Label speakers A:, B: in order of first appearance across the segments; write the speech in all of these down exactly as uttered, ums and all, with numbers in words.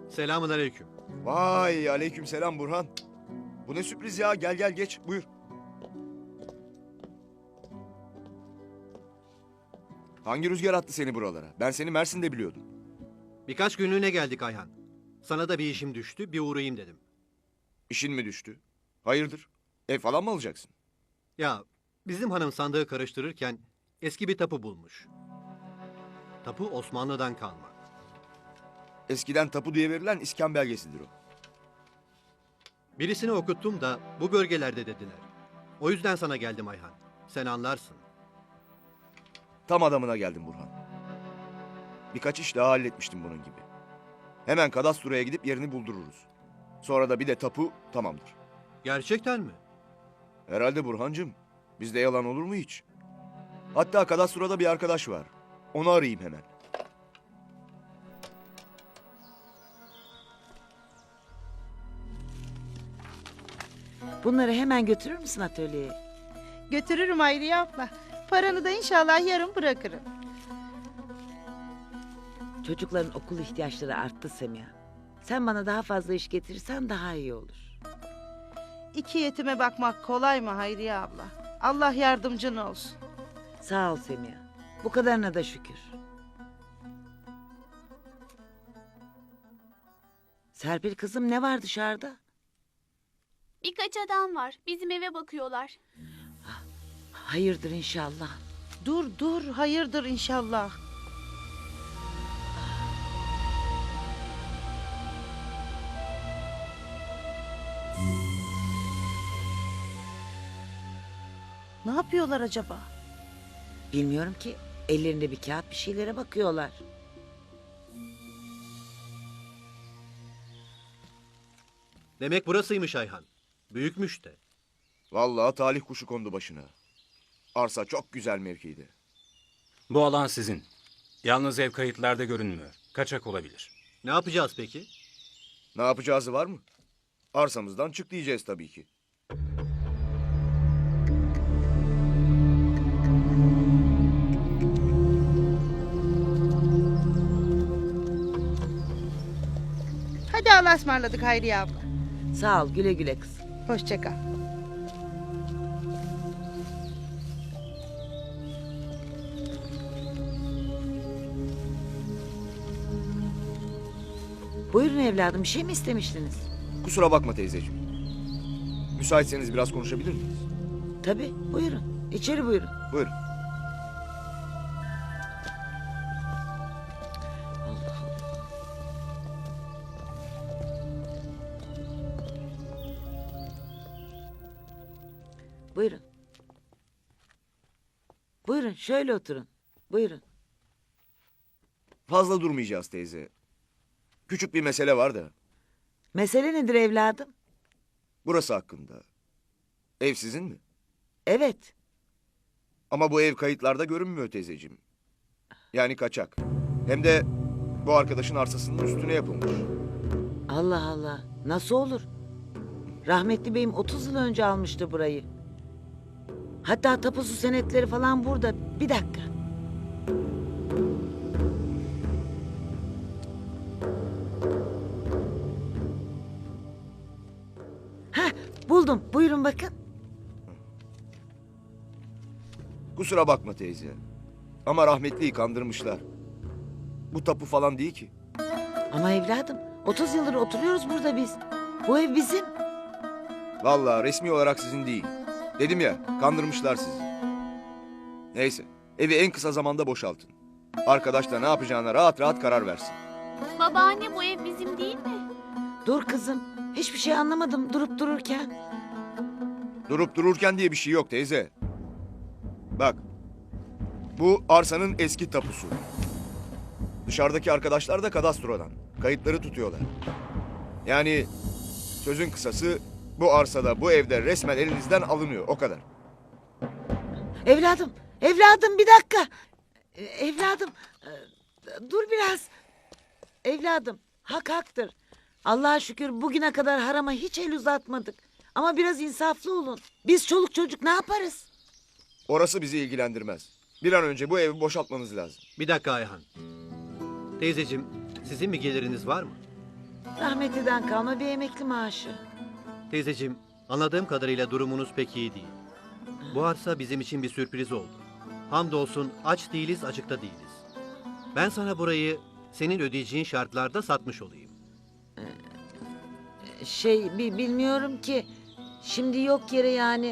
A: Selamun aleyküm.
B: Vay aleyküm selam Burhan. Bu ne sürpriz ya, gel gel geç buyur. Hangi rüzgar attı seni buralara? Ben seni Mersin'de biliyordum.
A: Birkaç günlüğüne geldik Ayhan. Sana da bir işim düştü, bir uğrayayım dedim.
B: İşin mi düştü? Hayırdır? Ev falan mı alacaksın?
A: Ya, bizim hanım sandığı karıştırırken eski bir tapu bulmuş. Tapu Osmanlı'dan kalma.
B: Eskiden tapu diye verilen iskan belgesidir o.
A: Birisini okuttum da bu bölgelerde dediler. O yüzden sana geldim Ayhan. Sen anlarsın.
B: Tam adamına geldim Burhan. Birkaç iş daha halletmiştim bunun gibi. Hemen kadastroya gidip yerini buldururuz. Sonra da bir de tapu tamamdır.
A: Gerçekten mi?
B: Herhalde Burhancığım. Bizde yalan olur mu hiç? Hatta kadastroda bir arkadaş var. Onu arayayım hemen.
C: Bunları hemen götürür müsün atölyeye?
D: Götürürüm Hayriye abla. Paranı da inşallah yarın bırakırım.
C: Çocukların okul ihtiyaçları arttı Semiha. Sen bana daha fazla iş getirirsen daha iyi olur.
D: İki yetime bakmak kolay mı Hayriye abla? Allah yardımcın olsun.
C: Sağ ol Semiha. Bu kadarına da şükür. Serpil kızım ne var dışarıda?
E: Birkaç adam var. Bizim eve bakıyorlar.
C: Hayırdır inşallah.
D: Dur dur hayırdır inşallah. Ne yapıyorlar acaba?
C: Bilmiyorum ki. Ellerinde bir kağıt bir şeylere bakıyorlar.
A: Demek burasıymış Ayhan. Büyükmüş de.
B: Vallahi talih kuşu kondu başına. Arsa çok güzel mevkiydi.
F: Bu alan sizin. Yalnız ev kayıtlarda görünmüyor. Kaçak olabilir.
A: Ne yapacağız peki?
B: Ne yapacağızı var mı? Arsamızdan çık diyeceğiz tabii ki.
D: Hadi Allah'a ısmarladık Hayriye abla.
C: Sağ ol güle güle kız.
D: Hoşça kal.
C: Buyurun evladım bir şey mi istemiştiniz?
B: Kusura bakma teyzeciğim. Müsaitseniz biraz konuşabilir miyiz?
C: Tabii buyurun. İçeri buyurun.
B: Buyurun.
C: Allah Allah. Buyurun. Buyurun şöyle oturun. Buyurun.
B: Fazla durmayacağız teyze. Küçük bir mesele var da.
C: Mesele nedir evladım?
B: Burası hakkında. Ev sizin mi?
C: Evet.
B: Ama bu ev kayıtlarda görünmüyor teyzeciğim. Yani kaçak. Hem de bu arkadaşın arsasının üstüne yapılmış.
C: Allah Allah. Nasıl olur? Rahmetli beyim otuz yıl önce almıştı burayı. Hatta tapusu senetleri falan burada. Bir dakika. Heh, buldum. Buyurun bakın.
B: Kusura bakma teyze. Ama rahmetliyi kandırmışlar. Bu tapu falan değil ki.
C: Ama evladım otuz yıldır oturuyoruz burada biz. Bu ev bizim.
B: Vallahi resmi olarak sizin değil. Dedim ya, kandırmışlar sizi. Neyse, evi en kısa zamanda boşaltın. Arkadaş da ne yapacağına rahat rahat karar versin.
E: Babaanne bu ev bizim değil mi?
C: Dur kızım. Hiçbir şey anlamadım durup dururken.
B: Durup dururken diye bir şey yok teyze. Bak, bu arsanın eski tapusu. Dışarıdaki arkadaşlar da kadastrodan. Kayıtları tutuyorlar. Yani sözün kısası bu arsada, bu evde resmen elinizden alınıyor, o kadar.
C: Evladım, evladım bir dakika. E, Evladım, e, dur biraz. Evladım, hak haktır. Allah'a şükür bugüne kadar harama hiç el uzatmadık. Ama biraz insaflı olun. Biz çoluk çocuk ne yaparız?
B: Orası bizi ilgilendirmez. Bir an önce bu evi boşaltmanız lazım.
A: Bir dakika Ayhan. Teyzeciğim, sizin bir geliriniz var mı?
C: Rahmetliden kalma bir emekli maaşı.
A: Teyzeciğim, anladığım kadarıyla durumunuz pek iyi değil. Bu arsa bizim için bir sürpriz oldu. Hamdolsun aç değiliz, açıkta değiliz. Ben sana burayı senin ödeyeceğin şartlarda satmış olayım.
C: Şey bi- bilmiyorum ki. Şimdi yok yere yani.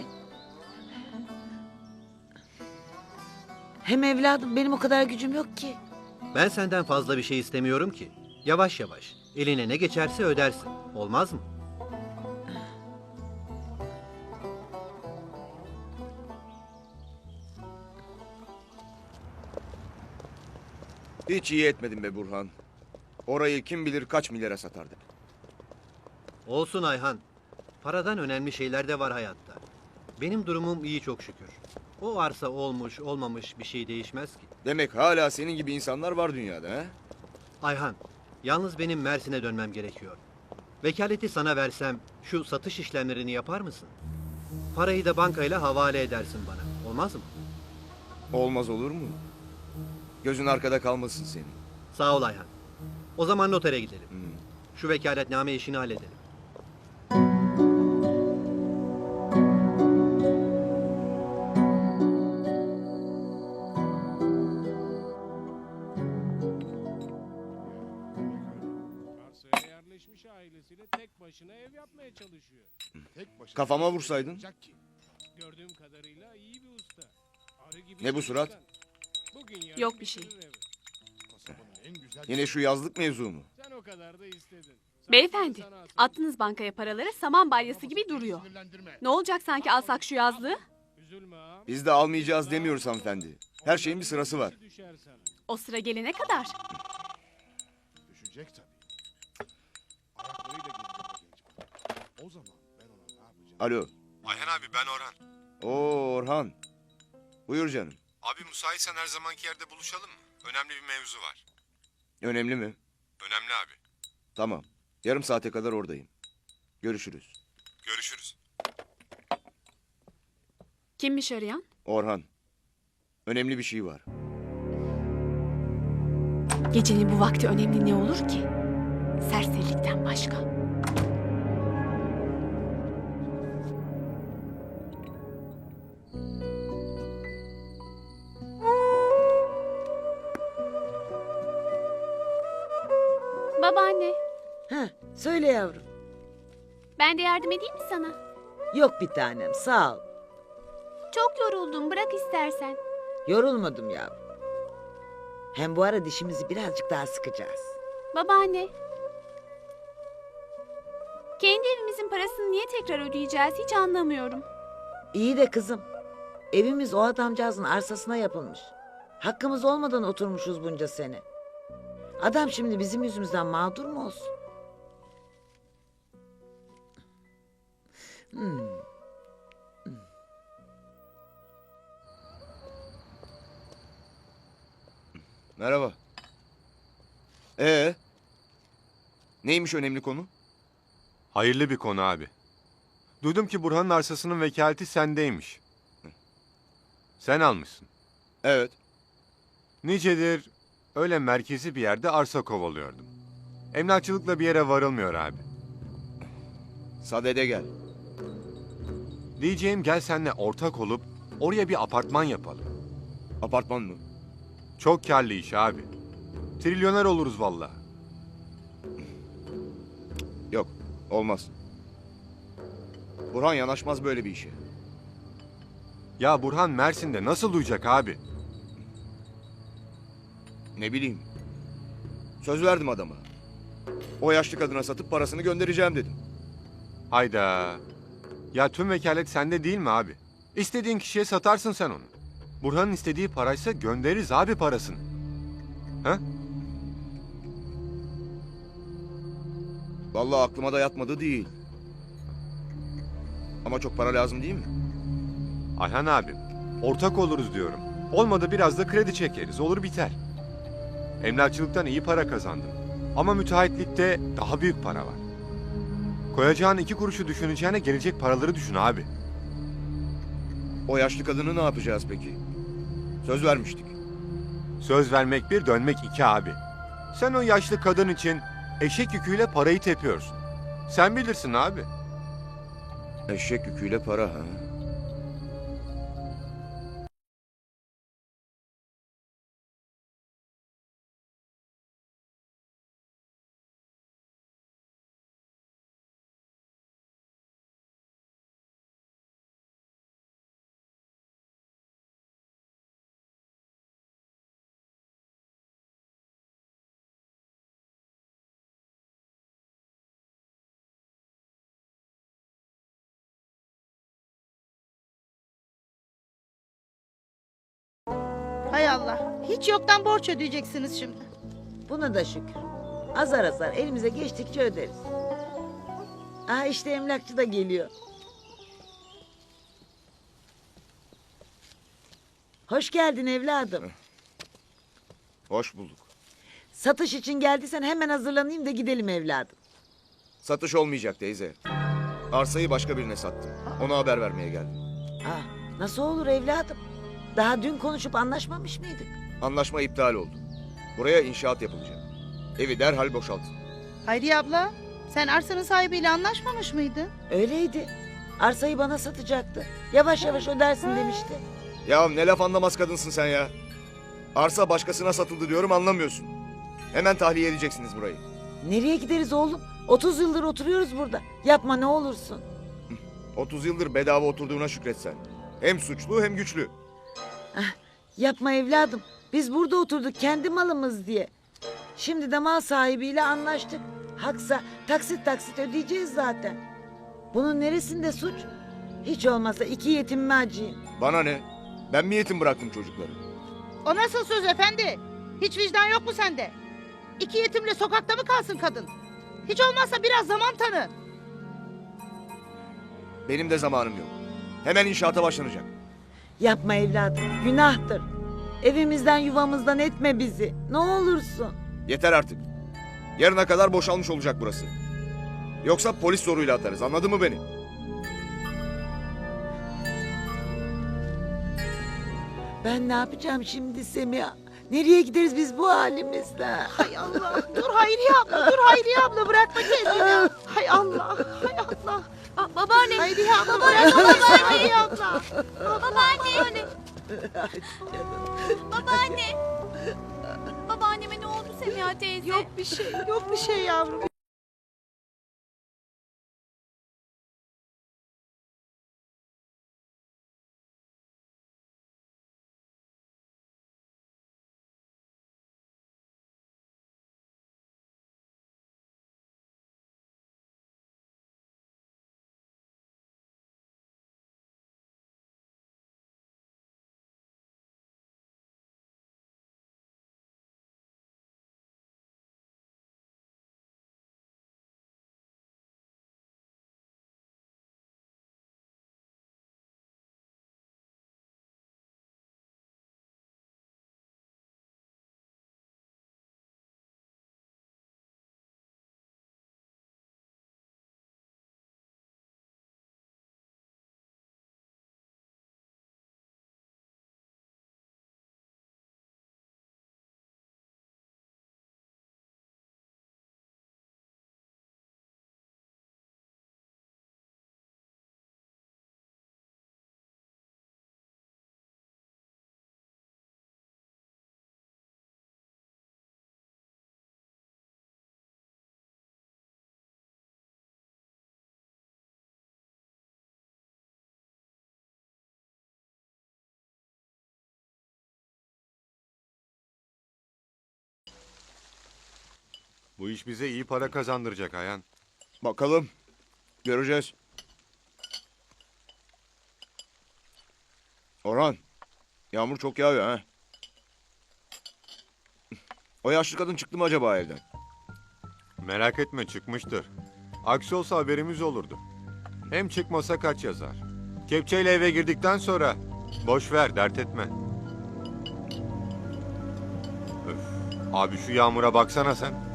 C: Hem evladım benim o kadar gücüm yok ki.
A: Ben senden fazla bir şey istemiyorum ki. Yavaş yavaş, eline ne geçerse ödersin. Olmaz mı?
B: Hiç iyi etmedin be Burhan. Orayı kim bilir kaç milyara satardık.
A: Olsun Ayhan. Paradan önemli şeyler de var hayatta. Benim durumum iyi çok şükür. O arsa olmuş olmamış bir şey değişmez ki.
B: Demek hala senin gibi insanlar var dünyada ha?
A: Ayhan, yalnız benim Mersin'e dönmem gerekiyor. Vekaleti sana versem şu satış işlemlerini yapar mısın? Parayı da bankayla havale edersin bana. Olmaz mı?
B: Olmaz olur mu? Gözün arkada kalmasın senin.
A: Sağ ol Ayhan. O zaman notere gidelim.
B: Hmm.
A: Şu vekaletname işini halledelim.
G: Arsaya yerleşmiş ailesiyle tek başına ev yapmaya çalışıyor.
H: Tek başına
B: Kafama vursaydın.
H: yapacak ki.
G: Gördüğüm kadarıyla iyi bir usta. Arı gibi
B: Ne bu surat?
G: çalışkan. Bugün yarın
E: Yok bir şey.
G: bitirir evi.
H: Kasabanın en güzel
B: Yine şu yazlık mevzu mu?
G: Sen o kadar da istedin. Sen
E: Beyefendi,
G: sana asıl-
E: attınız bankaya paraları saman balyası gibi duruyor.
H: sinirlendirme.
E: Ne olacak sanki alsak şu yazlığı?
G: Üzülme ağam.
B: Biz de almayacağız demiyoruz hanımefendi. Her şeyin bir sırası var.
G: Düşer sana.
E: O sıra gelene kadar.
H: Düşecek tabii. Ayaklarıyla gelecek o genç adam. O zaman ben ona ne yapacağım?
B: Alo.
I: Ayhan abi ben Orhan.
B: Oo Orhan. Buyur canım.
I: Abi müsaitsen her zamanki yerde buluşalım mı? Önemli bir mevzu var.
B: Önemli mi?
I: Önemli abi.
B: Tamam. Yarım saate kadar oradayım. Görüşürüz.
I: Görüşürüz.
E: Kimmiş arayan?
B: Orhan. Önemli bir şey var.
E: Gecenin bu vakti önemli ne olur ki? Serserilikten başka. Babaanne,
C: Heh, söyle yavrum.
E: ben de yardım edeyim mi sana?
C: Yok bir tanem sağ ol.
E: Çok yoruldum, bırak istersen.
C: Yorulmadım yavrum. Hem bu ara dişimizi birazcık daha sıkacağız.
E: Babaanne. Kendi evimizin parasını niye tekrar ödeyeceğiz hiç anlamıyorum.
C: İyi de kızım. Evimiz o adamcağızın arsasına yapılmış. Hakkımız olmadan oturmuşuz bunca sene. Adam şimdi bizim yüzümüzden mağdur mu olsun? Hmm.
B: Merhaba. Ee? Neymiş önemli konu?
I: Hayırlı bir konu abi. Duydum ki Burhan'ın arsasının vekaleti sendeymiş. Sen almışsın.
B: Evet.
I: Nicedir öyle merkezi bir yerde arsa kovalıyordum. Emlakçılıkla bir yere varılmıyor abi.
B: Sadede gel.
I: Diyeceğim gel seninle ortak olup oraya bir apartman yapalım.
B: Apartman mı?
I: Çok kârlı iş abi. Trilyoner oluruz vallahi.
B: Yok. Olmaz. Burhan yanaşmaz böyle bir işe.
I: Ya Burhan Mersin'de nasıl duyacak abi?
B: Ne bileyim. Söz verdim adama. O yaşlı kadına satıp parasını göndereceğim dedim.
I: Hayda. Ya tüm vekalet sende değil mi abi? İstediğin kişiye satarsın sen onu. Burhan'ın istediği paraysa göndeririz abi parasını. Ha?
B: Vallahi aklıma da yatmadı değil. Ama çok para lazım değil mi?
I: Ayhan abim, ortak oluruz diyorum. Olmadı biraz da kredi çekeriz, olur biter. Emlakçılıktan iyi para kazandım. Ama müteahhitlikte daha büyük para var. Koyacağın iki kuruşu düşüneceğine gelecek paraları düşün abi.
B: O yaşlı kadını ne yapacağız peki? Söz vermiştik.
I: Söz vermek bir, dönmek iki abi. Sen o yaşlı kadın için Eşek yüküyle parayı tepiyorsun. Sen bilirsin abi.
B: Eşek yüküyle para ha.
D: Hay Allah. Hiç yoktan borç ödeyeceksiniz şimdi.
C: Buna da şükür. Azar azar elimize geçtikçe öderiz. Aa işte emlakçı da geliyor. Hoş geldin evladım.
B: Hoş bulduk.
C: Satış için geldiysen hemen hazırlanayım da gidelim evladım.
B: Satış olmayacak teyze. Arsayı başka birine sattım. Ona haber vermeye geldim.
C: Aa, nasıl olur evladım? Daha dün konuşup anlaşmamış mıydık?
B: Anlaşma iptal oldu. Buraya inşaat yapılacak. Evi derhal boşaltın.
D: Hayriye abla, sen arsanın sahibiyle anlaşmamış mıydın?
C: Öyleydi. Arsayı bana satacaktı. Yavaş yavaş ödersin demişti.
B: Ya ne laf anlamaz kadınsın sen ya. Arsa başkasına satıldı diyorum anlamıyorsun. Hemen tahliye edeceksiniz burayı.
C: Nereye gideriz oğlum? otuz yıldır oturuyoruz burada. Yapma ne olursun.
B: otuz yıldır bedava oturduğuna şükretsen. Hem suçlu hem güçlü.
C: Yapma evladım. Biz burada oturduk kendi malımız diye. Şimdi de mal sahibiyle anlaştık. Haksa taksit taksit ödeyeceğiz zaten. Bunun neresinde suç? Hiç olmazsa iki yetimime acıyım.
B: Bana ne? Ben mi yetim bıraktım çocukları?
D: O nasıl söz efendi? Hiç vicdan yok mu sende? İki yetimle sokakta mı kalsın kadın? Hiç olmazsa biraz zaman tanı.
B: Benim de zamanım yok. Hemen inşaata başlanacak.
C: Yapma evladım. Günahtır. Evimizden yuvamızdan etme bizi. Ne olursun.
B: Yeter artık. Yarına kadar boşalmış olacak burası. Yoksa polis zoruyla atarız. Anladın mı beni?
C: Ben ne yapacağım şimdi Semiha? Nereye gideriz biz bu halimizle?
D: Hay Allah. Dur Hayriye abla, dur Hayriye abla bırakma kendini. Hay Allah, hay Allah.
E: Aa, babaanne.
D: Hayriye abla bırakma Hayriye abla.
E: Babaanne. Babaanne. Babaanneme ne oldu Semiha teyze?
D: Yok bir şey, yok bir şey yavrum.
I: Bu iş bize iyi para kazandıracak Ayhan.
B: Bakalım. Göreceğiz. Orhan. Yağmur çok yağıyor ha. O yaşlı kadın çıktı mı acaba evden?
I: Merak etme çıkmıştır. Aksi olsa haberimiz olurdu. Hem çıkmasa kaç yazar. Kepçeyle eve girdikten sonra boş ver dert etme. Öf. Abi şu yağmura baksana sen.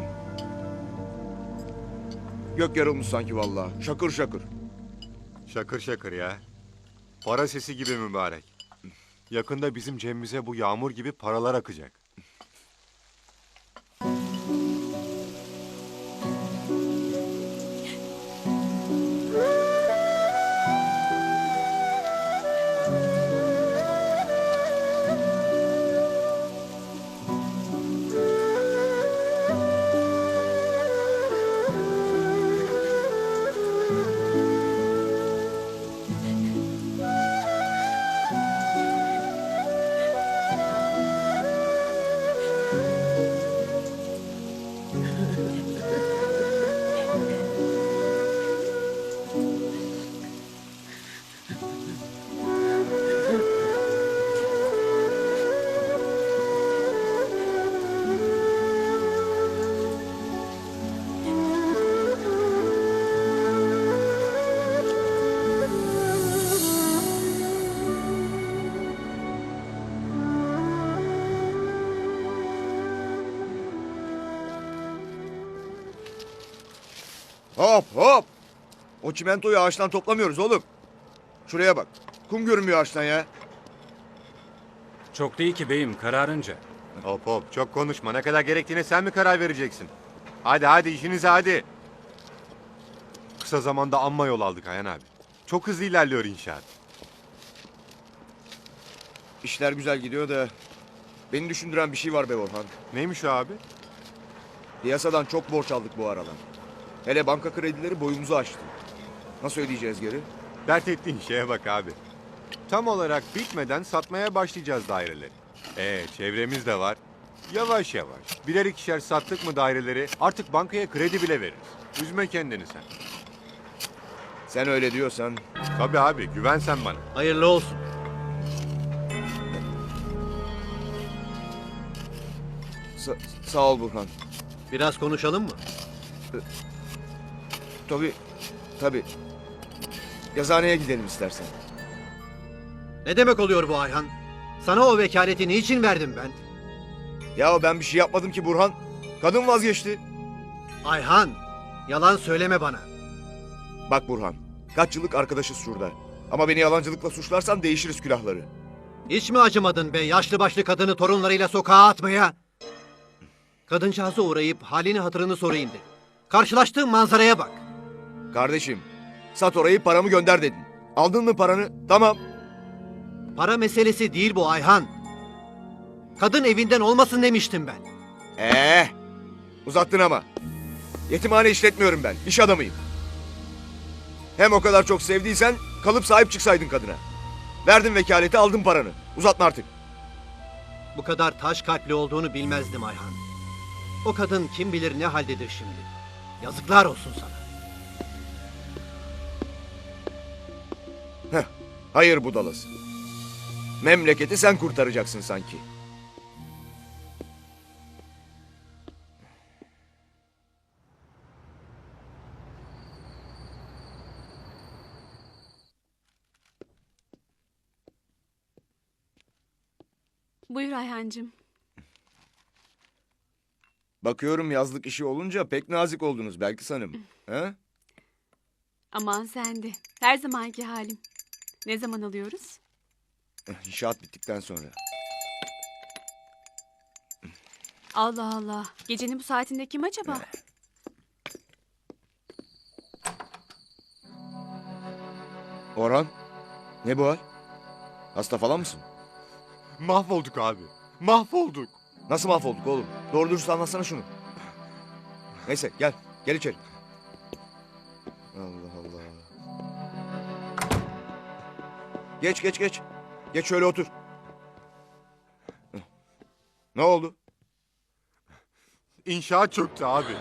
B: Gök yarılmış sanki vallahi. Şakır şakır.
I: Şakır şakır ya. Para sesi gibi mübarek. Yakında bizim cebimize bu yağmur gibi paralar akacak.
B: Hop hop. O çimentoyu ağaçtan toplamıyoruz oğlum. Şuraya bak. Kum görünmüyor ağaçtan ya.
F: Çok değil ki beyim, kararınca.
I: Hop hop çok konuşma. Ne kadar gerektiğine sen mi karar vereceksin? Hadi hadi işinize hadi. Kısa zamanda amma yol aldık Ayhan abi. Çok hızlı ilerliyor inşaat.
B: İşler güzel gidiyor da beni düşündüren bir şey var be Orhan.
I: Neymiş o abi?
B: Piyasadan çok borç aldık bu aralar. Hele banka kredileri boyumuzu aştı. Nasıl ödeyeceğiz geri?
I: Dert ettiğin şeye bak abi. Tam olarak bitmeden satmaya başlayacağız daireleri. Ee çevremiz de var. Yavaş yavaş birer ikişer sattık mı daireleri artık bankaya kredi bile veririz. Üzme kendini sen.
B: Sen öyle diyorsan.
I: Tabii abi güven sen bana.
A: Hayırlı olsun.
B: Sa- sağ ol Burhan.
A: Biraz konuşalım mı?
B: Tabii. Tabii. Yazıhaneye gidelim istersen.
A: Ne demek oluyor bu Ayhan? Sana o vekaleti niçin verdim ben?
B: Ya ben bir şey yapmadım ki Burhan. Kadın vazgeçti.
A: Ayhan, yalan söyleme bana.
B: Bak Burhan. Kaç yıllık arkadaşız şurada. Ama beni yalancılıkla suçlarsan değişiriz külahları.
A: Hiç mi acımadın be yaşlı başlı kadını torunlarıyla sokağa atmaya? Kadıncağıza uğrayıp halini hatırını sorayım dedim. Karşılaştığım manzaraya bak.
B: Kardeşim. Sat orayı paramı gönder dedin. Aldın mı paranı? Tamam.
A: Para meselesi değil bu Ayhan. Kadın evinden olmasın demiştim ben.
B: Ee, uzattın ama. Yetimhane işletmiyorum ben. İş adamıyım. Hem o kadar çok sevdiysen kalıp sahip çıksaydın kadına. Verdin vekaleti aldın paranı. Uzatma artık.
A: Bu kadar taş kalpli olduğunu bilmezdim Ayhan. O kadın kim bilir ne haldedir şimdi. Yazıklar olsun sana.
B: Heh, hayır budalası. Memleketi sen kurtaracaksın sanki.
E: Buyur Ayhancığım.
B: Bakıyorum yazlık işi olunca pek nazik oldunuz Belkıs Hanım. He?
E: Aman sen de. Her zamanki halim. Ne zaman alıyoruz?
B: İnşaat bittikten sonra.
E: Allah Allah. Gecenin bu saatinde kim acaba?
B: Orhan, ne bu hal? Hasta falan mısın?
I: Mahvolduk abi. Mahvolduk.
B: Nasıl mahvolduk oğlum? Doğru dürüst anlatsana şunu. Neyse gel, gel içeri. Allah Allah. Geç geç geç. Geç şöyle otur. Ne oldu?
I: İnşaat çöktü abi.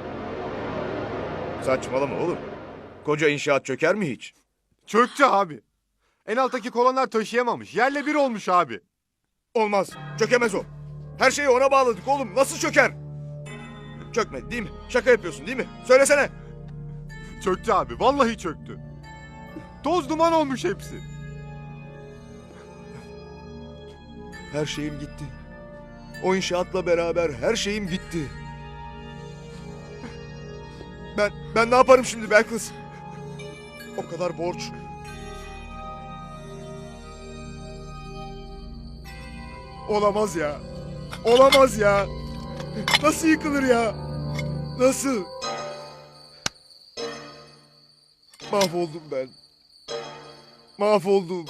B: Saçmalama oğlum. Koca inşaat çöker mi hiç?
I: Çöktü abi. En alttaki kolonlar taşıyamamış. Yerle bir olmuş abi.
B: Olmaz. Çökemez o. Her şeyi ona bağladık oğlum. Nasıl çöker? Çökmedi değil mi? Şaka yapıyorsun değil mi? Söylesene.
I: Çöktü abi. Vallahi çöktü. Toz duman olmuş hepsi.
B: Her şeyim gitti. O inşaatla beraber her şeyim gitti. Ben ben ne yaparım şimdi Belkıs? O kadar borç. Olamaz ya. Olamaz ya. Nasıl yıkılır ya? Nasıl? Mahvoldum ben. Mahvoldum.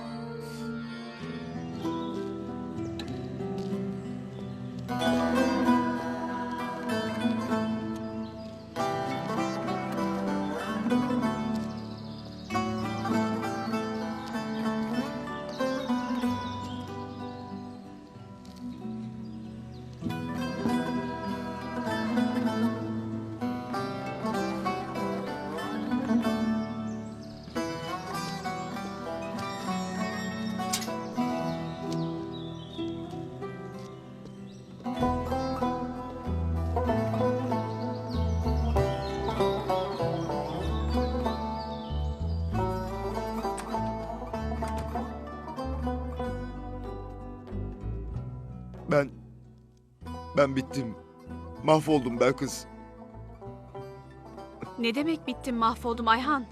B: Ben... Ben bittim. Mahvoldum Belkıs.
E: Ne demek bittim mahvoldum Ayhan?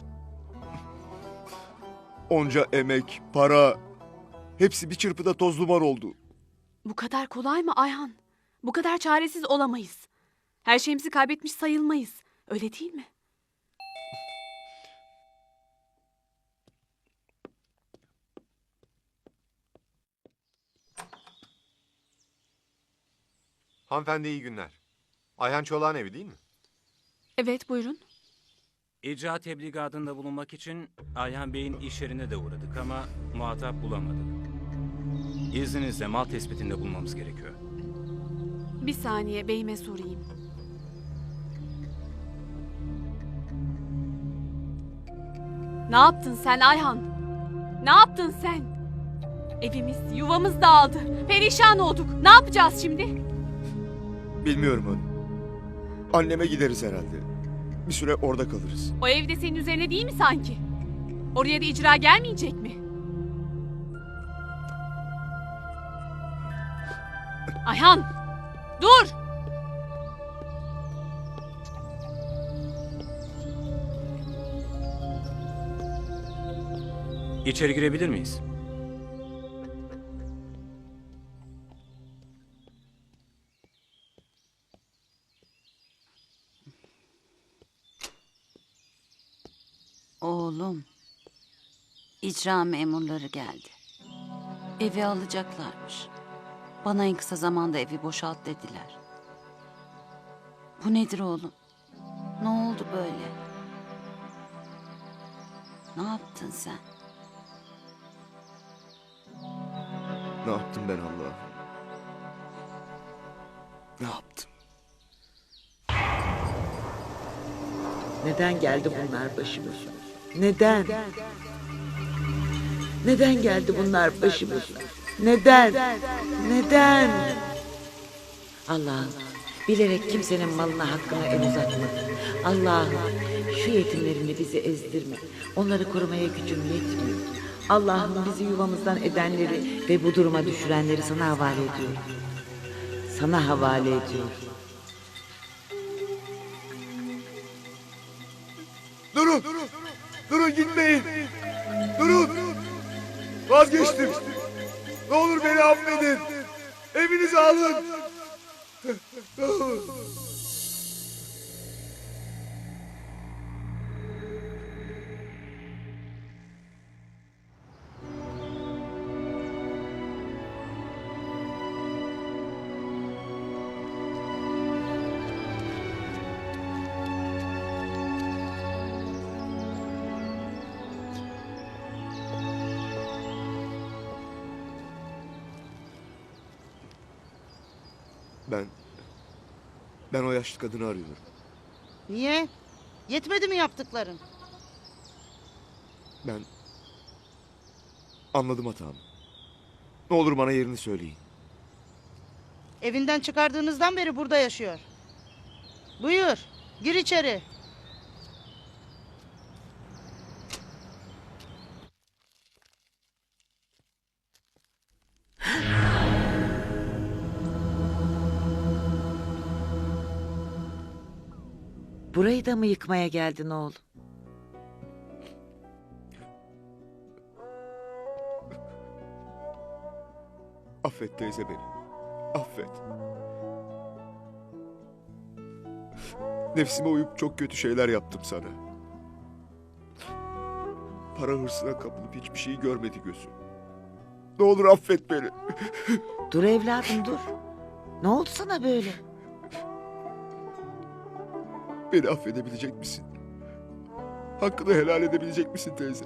B: Onca emek, para, hepsi bir çırpıda toz duman oldu.
E: Bu kadar kolay mı Ayhan? Bu kadar çaresiz olamayız. Her şeyimizi kaybetmiş sayılmayız. Öyle değil mi?
I: Hanımefendi iyi günler. Ayhan Çolak'ın evi değil mi?
E: Evet buyurun.
F: İcra tebligatında bulunmak için Ayhan Bey'in iş yerine de uğradık ama muhatap bulamadık. İzninizle mal tespitinde bulunmamız gerekiyor.
E: Bir saniye beyime sorayım. Ne yaptın sen Ayhan? Ne yaptın sen? Evimiz, yuvamız dağıldı. Perişan olduk. Ne yapacağız şimdi?
B: Bilmiyorum hanım. Anneme gideriz herhalde. Bir süre orada kalırız.
E: O evde senin üzerine değil mi sanki? Oraya da icra gelmeyecek mi? Ayhan! Dur!
F: İçeri girebilir miyiz?
J: Oğlum, icra memurları geldi. Evi alacaklarmış. Bana en kısa zamanda evi boşalt dediler. Bu nedir oğlum? Ne oldu böyle? Ne yaptın sen?
B: Ne yaptım ben Allah'ım? Ne yaptım?
C: Neden geldi bunlar başımıza? Neden? Neden geldi bunlar başımıza? Neden? Neden? Allah'ım bilerek kimsenin malına hakkına el uzatma. Allah'ım şu yetimlerini bizi ezdirme. Onları korumaya gücüm yetmiyor. Allah'ım bizi yuvamızdan edenleri ve bu duruma düşürenleri sana havale ediyorum. Sana havale ediyorum.
B: Durun! Durun gitmeyin! Durun! Vazgeçtim! Ne olur beni affedin! Evinizi alın! Ne olur. Ben... Ben o yaşlı kadını arıyorum.
D: Niye? Yetmedi mi yaptıkların?
B: Ben... Anladım hatamı. Ne olur bana yerini söyleyin.
D: Evinden çıkardığınızdan beri burada yaşıyor. Buyur, gir içeri.
C: Burayı da mı yıkmaya geldin oğlum?
B: Affet teyze beni. Affet. Nefsime uyup çok kötü şeyler yaptım sana. Para hırsına kapılıp hiçbir şeyi görmedi gözüm. Ne olur affet beni.
C: Dur evladım dur. Ne oldu sana böyle?
B: Beni affedebilecek misin? Hakkını helal edebilecek misin teyze?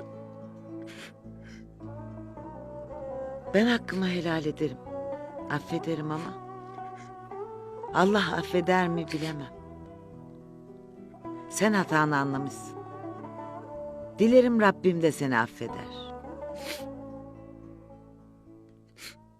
C: Ben hakkımı helal ederim. Affederim ama Allah affeder mi bilemem. Sen hatanı anlamışsın. Dilerim Rabbim de seni affeder.